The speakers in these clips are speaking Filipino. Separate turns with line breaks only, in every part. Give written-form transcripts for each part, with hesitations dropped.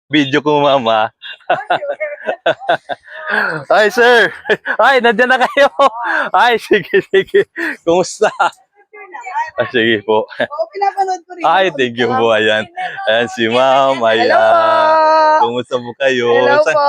Video ko, mama. Ay, sir. Ay, nandiyan na kayo. Ay, sige, sige. Kumusta? Ah, sige po.
Oo, pinapanood ko rin.
Ay, thank you po. Ayan. Ayan si ma'am.
Hello po.
Ayan. Kumusta po kayo?
Hello po.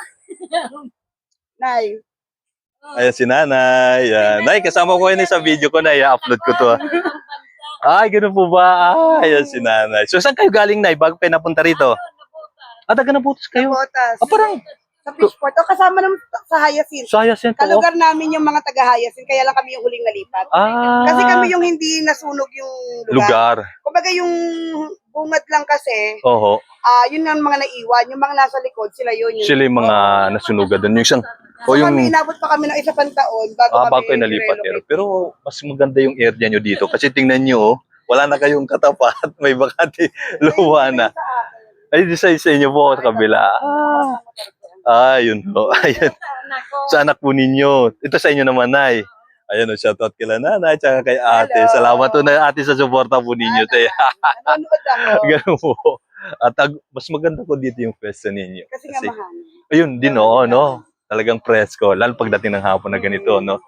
Nay.
Ayan si nanay. Ayan. Nay, kasama ko yun sa video ko na. I-upload ko to. Ay, ganun po ba? Ayan si nanay. So, saan kayo galing, nay? Bago kayo napunta rito? Ah, taga Naputos kayo?
Botas.
Ah, parang
Sa Fishport. O, kasama naman sa Hyacinth.
sayas yan po.
Kalugar namin yung mga taga Hyacinth, kaya lang kami yung huling nalipat.
Ah,
Kasi kami yung hindi nasunog yung lugar.
lugar.
Kumbaga yung bungad lang kasi,
Oho.
yun ang mga naiwan. Yung mga nasa likod, sila yun.
Sila yung mga nasunugan doon. Yung isang, o
So
yung,
kami, inabot pa kami ng isa pang taon bago kami
bago kayo nalipat. Pero mas maganda yung area nyo dito. Kasi tingnan nyo, wala na kayong katapat. May bakante luwa na. Ay, di sa inyo po sa kabila. Yun po. Ayun. Sa anak po ninyo. Ito sa inyo naman, Nay. Ayun, shoutout kila nanay, tsaka kay ate.
Hello.
Salamat po na ate sa suporta po ninyo.
Nanonood ako.
Ganun po. At mas maganda po dito yung pwesto ninyo.
Kasi nga mahal.
Ayun din, oo, no? Talagang presko. Lalo pagdating ng hapon na ganito, no?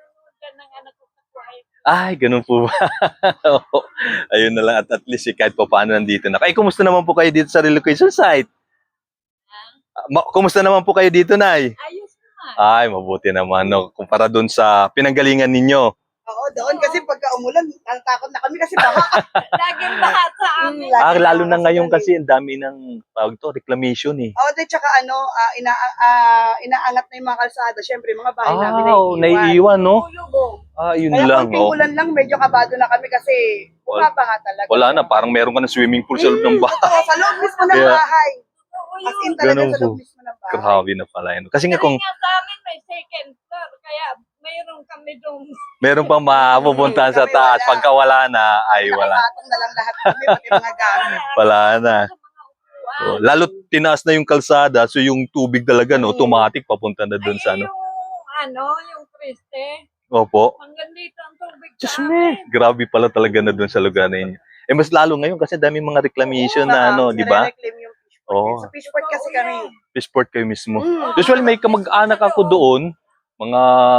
Ay, ganun po ba? Oo. Ayun na lang. At least kahit pa paano nandito na. Ay, kumusta naman po kayo dito sa relocation site? Kumusta naman po kayo dito, Nay?
Ayos naman.
Ay, mabuti naman, no? Kumpara doon sa pinanggalingan ninyo.
Oo, doon kasi pagka umulan, natatakot na kami kasi baha.
Laging lahat sa amin.
Lalo na ngayon kasi ang dami ng tawag to, reclamation eh.
Oo, then tsaka inaangat na yung mga kalsada. Siyempre, mga bahay namin
naiiwan, no?
Lubog.
Yun
Kaya
lang,
konting
oh.
ulan lang, medyo kabado na kami kasi bumabaha talaga.
Wala na, parang meron ka na swimming pool sa loob ng bahay.
Oo, sa loob mismo ng
Kaya-
bahay. As in talaga
Ganun
sa loob
po.
mismo ng bahay.
Grabe na pala yun. Kasi nga kung
Kaya sa amin may second floor, kaya mayroon kami doon.
meron pang mapupuntahan sa taas, pagka wala na, ay wala.
Nakapatong na lang lahat kami, pati mga gamit.
Wala na. Oh, lalo tinaas na yung kalsada, so yung tubig talaga, no, automatic papunta na doon sa ano.
Yung Kriste,
Opo.
hanggang dito ang tubig
Diyos
sa
me,
amin.
grabe pala talaga na doon sa lugar na yun. Eh, mas lalo ngayon kasi dami mga reclamation na ano, di ba?
Nire-reclaim yung Fishport.
Oo.
Sa Fishport kasi kami.
Fishport kayo mismo.
Mm.
Usually may kamag-anak ako doon, mga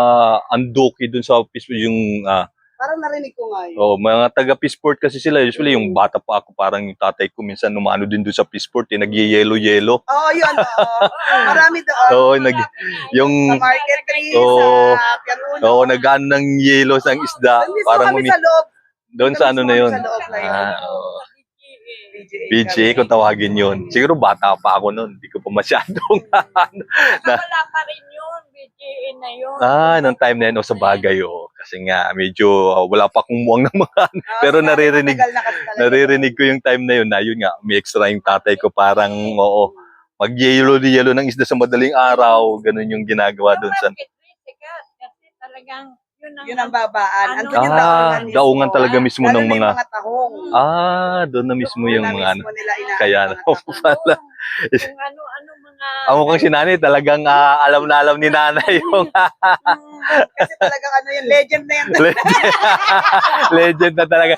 Andoki doon sa Fishport, yung
Parang narinig ko nga yun.
mga taga Fishport kasi sila. Usually yung bata pa ako, parang yung tatay ko minsan numano din doon sa Fishport, nagye-yelo-yelo.
Oo, yun. Oo. Marami doon.
Oo, yung
Sa Market 3,
Oo.
sa Pianuno.
nag-ano ng yelo sa isda,
Doon mismo
parang
kami sa loob.
doon sa ano na yun.
Sa loob na yun.
Oo.
BGA.
BJ, kung tawagin yun. Siguro bata pa ako noon. Hindi ko pa masyadong
Wala pa rin yun, BGA na yun.
nung time na yun, sa bagay, kasi nga, medyo wala pa akong muwang ng mga Pero naririnig ko yung time na yun, na yun nga, may extra yung tatay ko, parang, mag-yelo-yelo ng isda sa madaling araw, ganun yung ginagawa doon sa...
Kasi talagang
Yun ang babaan.
Ano?
Andun yung daungan mismo.
daungan talaga mismo
Lalo
ng
na yung
mga...
mga tahong.
Doon na mismo
Doon
yung
na
mga ano.
mismo nila inaano
Kaya
yung
na
mga tahong.
pala.
Kung ano-ano mga...
Ang mukhang si nanay, talagang alam na alam ni nanay yung
Kasi talagang ano yun, legend na yan.
legend na talaga.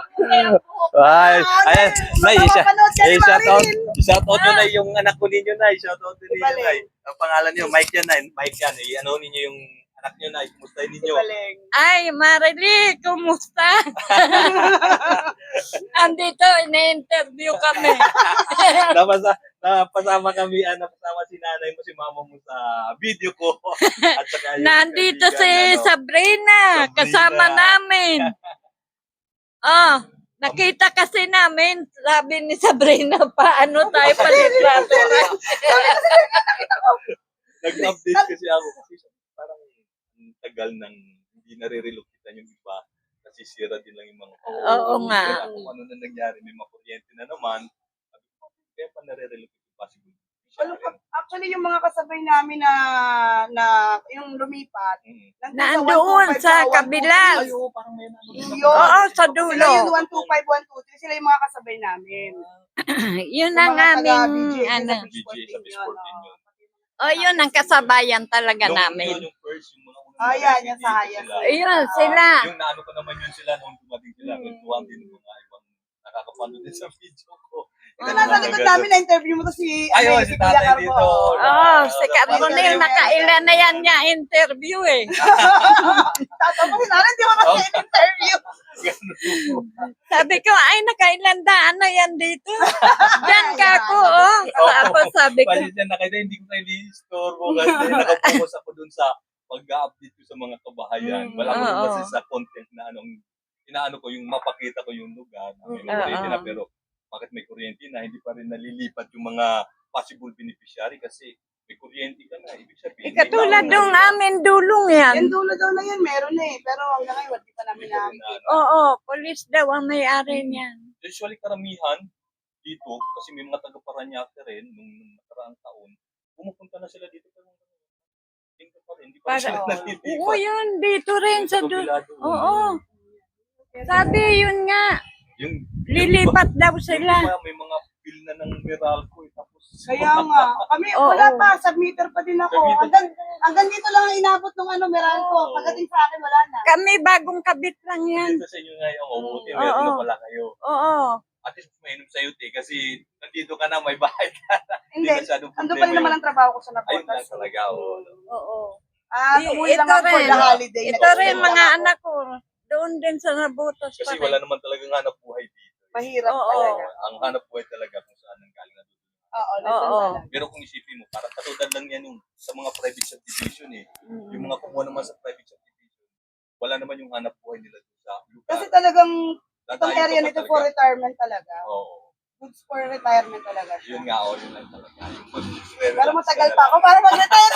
Ay, ayan, nay,
Mapapanood ka ni Marilyn.
i-shoutout nyo na yung anak ko ninyo, nay. I-shoutout nyo ninyo,
Ibaling.
nay. Ang pangalan niyo, Mike yan, nay. Mike yan. I-ano ninyo yung anak niyo, nay. Kumustahin ninyo.
Ibaling.
Ay, Marily, kumusta? Andito, ina-interview kami.
Napasama kami, napasama si nanay mo, si mama mo sa video ko. At saka yung
Nandito si
kaibigan,
Sabrina, kasama namin. Nakita kasi namin, sabi ni Sabrina, paano tayo palitrato?
Nag-update kasi ako kasi parang ang tagal nang hindi nare-relokitan yung iba. Nasisira din lang yung mga
Oo nga.
Kaya kung ano na nangyari, may mga kuryente na naman. Sabi ko, kaya pa nare-relocate yung possible.
Actually, yung mga kasabay namin na yung lumipat,
Nandoon sa kabila.
Parang may
Oo, sa
Sila
dulo.
yung 125, 123, sila yung mga kasabay namin.
Yun
Yung
ang
mga
aming,
taga-BGA
ano.
sa Fishport
BGA sa Fishport din yun.
Yun ang kasabayan talaga namin.
Yung first, yung mga unang
Yan, yung sa Hayas.
Ayun, sila.
Yung naano ko naman yun sila nung dumating sila. Kwentuhan din yung mga ibang nakakapanood din sa video ko.
Ito nasa likod namin na interview mo to si,
Ayun,
si
si
Kuya
tatay
Carbo.
dito.
Oh, si Carbonel, nakailan na yan niya interview eh.
Tatapusin natin, di mo na siya interview.
Sabi ko, ay, nakailan daan na yan dito. Diyan ka ako, oh. Tapos sabi ko,
Pasensya na kayo, hindi ko kayo i-istorbo kasi nakapokus ako dun sa pag-update ko sa mga kabahayan. Wala ko rin
Oo.
kasi sa content na anong inaano ko, yung mapakita ko yung lugar. May
Oo.
kuryente na, pero bakit may kuryente na, hindi pa rin nalilipat yung mga possible beneficiary kasi may kuryente ka na. Ibig sabihin, may
katulad
nauna
nung
na.
amin dulong yan.
Yan dulo daw na yan, meron na eh. Pero hanggang ngayon, di pa namin nakikita.
Oo, police daw ang may-ari niyan.
Usually karamihan dito, kasi may mga taga-Paranaque rin nung nakaraang taon, pumupunta na sila dito pero hindi pa rin, hindi pa rin
Para-
sila
Oo,
nalilipat.
yun, dito rin sa
Kabilado.
Oo. Sabi yun nga,
Yung
lilipat daw
yung
sila.
iba, may mga bill na ng Meralco tapos
Kaya nga, kami,
Oo.
wala pa, submitter pa din ako.
Submitter.
Hanggang dito lang ang inabot ng Meralco.
Oo.
Pagdating sa akin, wala na.
Kami bagong kabit lang yan.
dito sa inyo ngayon, mabuti,
Oo.
meron na pala kayo.
Oo.
At least mainom sa te kasi nandito ka na, may bahay ka na.
Hindi,
masyadong
ando
problema
pa rin naman
yun.
ang trabaho ko sa
Ayun lang
Napotas.
talaga. Oo.
Oo.
Umuwi lang
Ito
ako for
rin.
the holiday.
Ito
Nag-stay
rin
lang
mga
ako.
anak ko. Doon din sa Nabutas pa
Kasi
rin.
wala naman talagang hanap buhay dito.
Mahirap
Oo.
talaga.
Ang hanap buhay talaga kung saan ang galing na dito.
Oo,
Oo.
talaga.
Pero kung isipin mo, parang katulad lang yan yung sa mga private subdivision eh. Yung mga kumuha naman sa private subdivision, wala naman yung hanap buhay nila doon sa lugar.
Kasi talagang itong
Dadayo ka
area
pa
nito
talaga.
for retirement talaga.
Oo.
Goods for retirement talaga siya.
Yun nga, yun lang talaga. Yung
Pero matagal pa ako para mag-retire.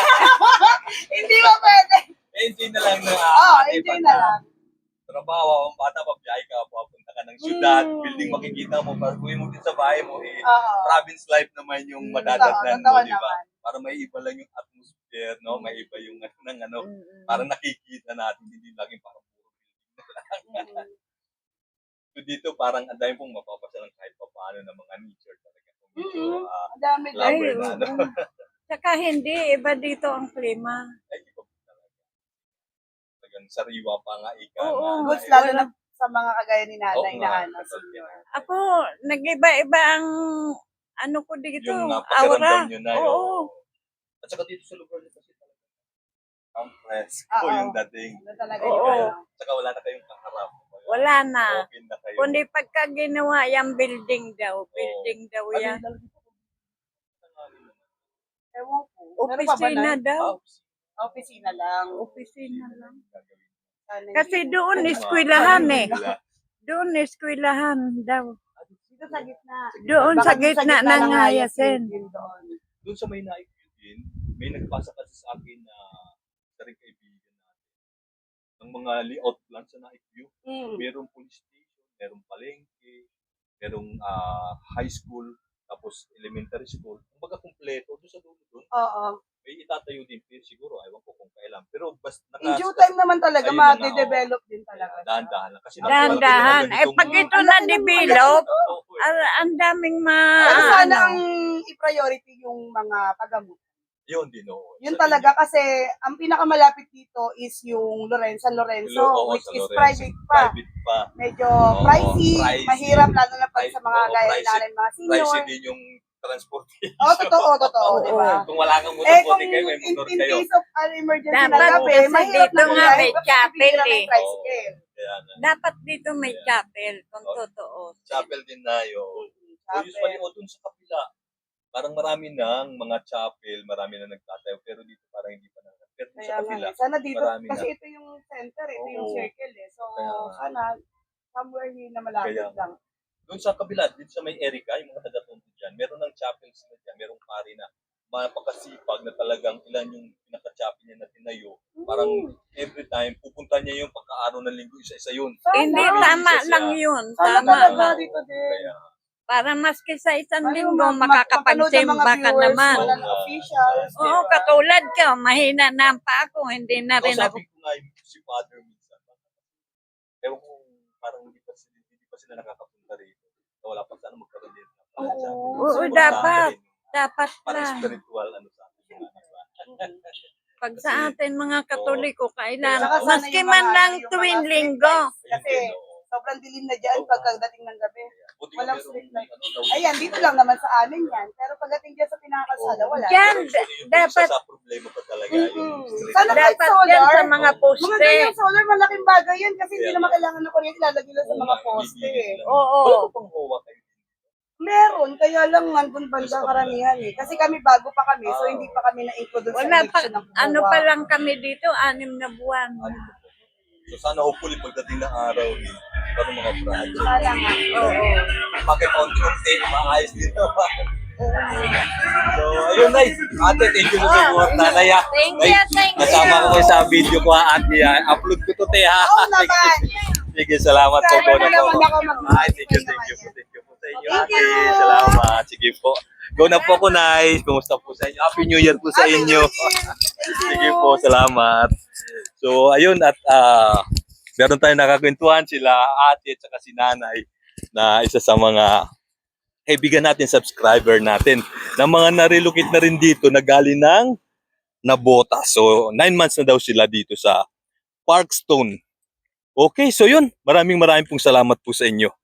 Hindi ba pwede?
Enjoy na lang na.
Oo, enjoy na lang.
Trabaho, ang bata, pabiyahe ka, papunta ka ng syudad,
Mm.
building makikita mo, pag uwi mo din sa bahay mo, eh,
Oo.
province life naman yung madadatnan mo,
Totoo
di ba?
naman.
Para may iba lang yung atmosphere, no? May iba yung ano,
Mm-mm.
parang nakikita natin, hindi laging parang puro building. So dito parang ang dami pong mapapasalang kahit pa paano ng mga nature talaga. Kung dito,
Ang dami
Ay,
lover na, ano?
oo. Tsaka hindi, iba dito ang klima.
Ay, iba po talaga. Talagang sariwa pa nga ika.
Oo.
Goods lalo na sa mga kagaya ni nanay
Oo
na
nga,
ano,
totoo
senior.
yan.
Ako, nag-iba-iba ang ano ko dito,
Yung
aura.
pakiramdam nyo na yun.
Oo.
At saka dito sa lugar nyo kasi talaga ang presko
Oo.
yung dating.
Ano talaga
Oo.
yun. ano.
At saka wala na kayong kaharap.
Wala na.
Open na kayo.
Kundi pagka ginawa yung building daw, building daw
Ano
yan.
yung dito?
Ewan ko. Meron pa ba
Opisina
na?
daw.
Opisina lang.
Opisina lang.
Sana
Kasi
hindi.
doon,
Ano,
eskwelahan eh.
nila.
Doon, eskwelahan daw.
Dito sa gitna.
Doon
Baka
sa
dito
gitna ng
lang
Hayasin.
yun doon.
Doon sa may naikview din, may nagpasa kasi sa akin na isa rin kaibigan natin. Ng mga layout plan sa naikview. Merong police station, merong palengke, merong high school, tapos elementary school. Kumbaga kumpleto doon sa dulo doon.
Oo.
May itatayo din pero siguro, ewan ko kung kailan. Pero basta
In due time naman talaga,
Ayun na nga,
ma-develop din talaga.
dahan-dahan lang. Kasi
Dahan-dahan. Eh, pag ito na-develop, ang daming
Pero sana
ano.
ang i-priority yung mga pagamot.
Yun din, oo.
Yun talaga kasi ang pinakamalapit dito is yung San Lorenzo,
Oo,
which
sa
is
Lorenzo.
private pa.
Private pa.
Medyo
Oo,
pricey,
pricey.
mahirap lalo na pag sa mga
Oo,
gaya
pricey.
natin, mga senior.
Pricey din yung transportation.
Oo, totoo, di ba?
Kung wala kang motor,
Kung
buti kayo, may
in
motor kayo.
case of an emergency
Dapat
na gabi,
kasi
mahirap
dito
na
nga
bumiyahe
may
kasi
chapel
bibigyan ng
eh.
tricycle.
Kaya na.
Dapat dito may chapel, kung totoo.
Chapel din na yun. So,
Chapel.
usually, dun sa kapila, parang marami ng mga chapel, marami na nagtatayo, pero dito parang hindi pa na. Pero dun
Kaya
sa kapila,
nga, sana dito,
marami
kasi
na.
ito yung center, ito yung
Oo.
circle eh. So,
Kaya nga.
sana, somewhere here na malapit
Kaya nga.
lang.
Doon sa kabila, dito sa may Erica, yung mga taga-tundo dyan, meron ng chapel sila dyan, merong pari na mapakasipag na talagang ilan yung pinaka-chapel niya na tinayo. Parang every time, pupunta niya yung pagka-araw ng linggo, isa-isa yun.
Sana,
Hindi,
Isa
tama
siya.
lang yun.
sana
Tama
talaga
lang.
dito din.
Kaya,
Para maski sa isang
Ano,
linggo,
mapapanood ng mga
makakapagsimba ka
viewers,
naman.
wala na officials.
Oo,
diba?
katulad ka, mahina na ang pa ako, hindi na rin ako.
sabi ko nga yung si Father minsan, ewan ko, parang hindi pa sila nakakapunta rito. So, wala pa sana magkaroon din.
Oo.
Oo, dapat. Dapat
Parang
na.
spiritual, ano sa atin.
Pag sa atin mga Katoliko,
Saka
kailangan,
sana
maski
yung
man
mga-
lang
yung mga
tuwing
street
linggo.
lights, Kasi Sobrang dilim na dyan pagkadating ng gabi.
Buti nga
Walang
meron,
street light.
ano, tawag
Ayan, dito lang naman sa amin yan. Pero pagdating dyan sa pinakakalsada, wala.
Diyan,
Yung
dapat,
isa sa problema pa talaga yung street
Sana kahit
dapat
solar.
yan sa mga
Mga
poste.
ganyang solar, malaking bagay yun kasi hindi
Kaya
naman
nga.
kailangan ng kuryente, ilalagay lang sa mga poste.
Oo.
Wala pa pang huwa kayo.
Meron, kaya lang nandun bandang karamihan eh. Kasi kami bago pa kami, so hindi pa kami na-include doon sa
Wala pa,
election ng
ano
COA.
pa lang kami dito, 6 na buwan.
So sana hopefully pagdating ng araw eh, parang mga project.
Sana nga. Oo.
Bakit unti-unti, maayos dito. So, ayun, Nay. Ate, thank you sa support. Nanay, ah.
Thank
Nay,
you, thank you.
Kasama ko kayo sa video ko, ate. Upload ko to, te, ha.
Oo naman.
Sige, salamat po.
Sana
Go na po.
naman ako
Ay, thank you po. Thank you po sa inyo,
Thank
ate.
you.
Salamat. Sige po. Go na po ko, Nay. Kumusta po sa inyo? Happy New Year po sa
Happy
inyo.
New Year. Thank you.
Sige po, salamat. So, ayun, at meron tayong nakakwentuhan sila, ate at saka si nanay, na isa sa mga kaibigan natin, subscriber natin, na mga narelocate na rin dito na galing ng Nabota. So, 9 months na daw sila dito sa Parkstone. Okay, so yun. Maraming pong salamat po sa inyo.